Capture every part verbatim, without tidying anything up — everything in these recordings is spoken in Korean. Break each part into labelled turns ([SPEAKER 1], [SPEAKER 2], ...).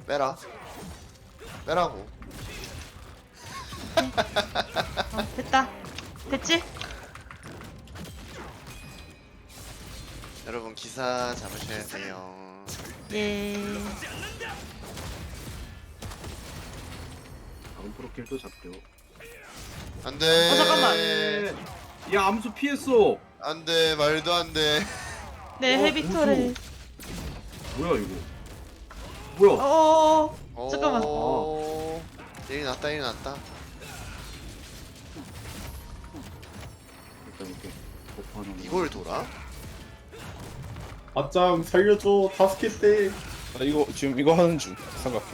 [SPEAKER 1] 빼라. 빼라고.
[SPEAKER 2] 어, 됐다. 됐지?
[SPEAKER 1] 여러분 기사 잡으셔야 돼요.
[SPEAKER 2] 예.
[SPEAKER 3] 다음 프로킬도 잡죠.
[SPEAKER 1] 안돼.
[SPEAKER 2] 어, 잠깐만.
[SPEAKER 3] 야 암수 피했어.
[SPEAKER 1] 안돼 말도 안돼.
[SPEAKER 2] 네,
[SPEAKER 3] 어,
[SPEAKER 2] 헤비토레.
[SPEAKER 3] 뭐야 이거? 뭐야?
[SPEAKER 2] 어어어. 잠깐만.
[SPEAKER 1] 오. 일이 났다 일이 났다.
[SPEAKER 3] 일단 이렇게 버프 하나.
[SPEAKER 1] 이걸 돌아?
[SPEAKER 4] 아짱 살려줘 다섯 개 때. 나 이거 지금 이거 하는 중 삼각형.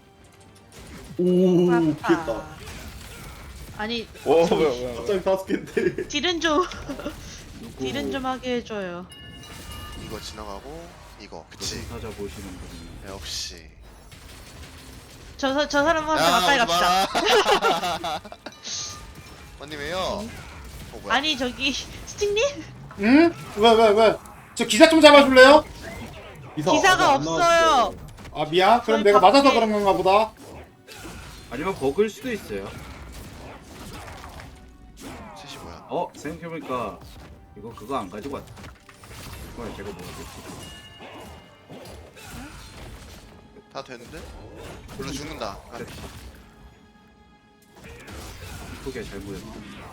[SPEAKER 4] 오
[SPEAKER 2] 아파.
[SPEAKER 4] 피했다.
[SPEAKER 2] 아니,
[SPEAKER 4] 와 뭐야 뭐야. 아짱 다섯 개 때.
[SPEAKER 2] 딜은 좀,
[SPEAKER 3] 누구
[SPEAKER 2] 딜은 좀 하게 해줘요.
[SPEAKER 1] 이거 지나가고 이거 그치.
[SPEAKER 3] 사자 보시는 분이.
[SPEAKER 1] 역시.
[SPEAKER 2] 저, 사- 저 사람한테 가까이 갑시다.
[SPEAKER 1] 갑시다. 언니왜요? 어 뭐야?
[SPEAKER 2] 아니, 저기, 스틱님?
[SPEAKER 5] 응? 왜, 왜, 왜? 저 기사 좀 잡아줄래요?
[SPEAKER 4] 기사
[SPEAKER 2] 기사가
[SPEAKER 4] 아직 안
[SPEAKER 2] 없어요.
[SPEAKER 4] 나왔어요.
[SPEAKER 5] 아, 미안. 그럼
[SPEAKER 2] 저희
[SPEAKER 5] 내가 맞아서
[SPEAKER 2] 밖에-
[SPEAKER 5] 그런 건가 보다.
[SPEAKER 3] 아니면 버그일 수도 있어요.
[SPEAKER 1] 셋이 뭐야?
[SPEAKER 3] 어 생각해보니까 이거 그거 안 가지고 왔다. 이거 제가 뭐하겠지?
[SPEAKER 1] 다 됐는데? 불러 죽는다. 아,
[SPEAKER 3] 됐다. 이쁘게 잘 보였다.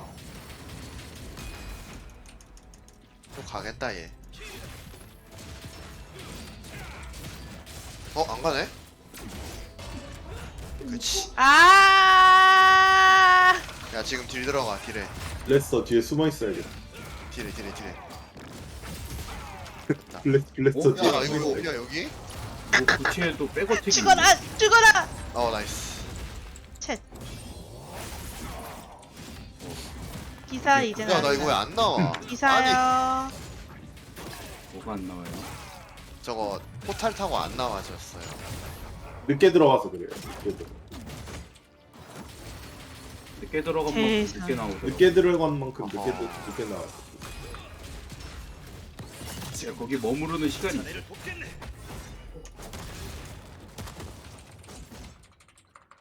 [SPEAKER 1] 또 가겠다 얘. 어? 안 가네? 그치.
[SPEAKER 2] 아,
[SPEAKER 1] 야 지금 딜 들어가 딜에.
[SPEAKER 4] 레스터 뒤에 숨어 있어야겠다.
[SPEAKER 1] 딜에 딜에 딜에.
[SPEAKER 4] 블레 블레스터
[SPEAKER 3] 어?
[SPEAKER 4] 뒤에.
[SPEAKER 1] 야 이거 이거 어디야 여기?
[SPEAKER 3] 뭐 구치에 또 백어택이.
[SPEAKER 2] 죽어라, 죽어라!
[SPEAKER 1] 어 나이스.
[SPEAKER 2] 챗. 기사 이제
[SPEAKER 1] 야 나 이거 왜
[SPEAKER 2] 나온다.
[SPEAKER 1] 안 나와? 아니
[SPEAKER 2] 기사요.
[SPEAKER 3] 뭐가 안 나와요?
[SPEAKER 1] 저거 포탈 타고 안 나와졌어요.
[SPEAKER 4] 늦게 들어가서 그래요. 늦게, 들어.
[SPEAKER 3] 늦게 들어간 만큼
[SPEAKER 2] 세상.
[SPEAKER 3] 늦게 나오더라고.
[SPEAKER 4] 늦게 들어간 만큼 늦게
[SPEAKER 1] 어허.
[SPEAKER 4] 들- 늦게 나와.
[SPEAKER 3] 거기 머무르는 시간이 있어.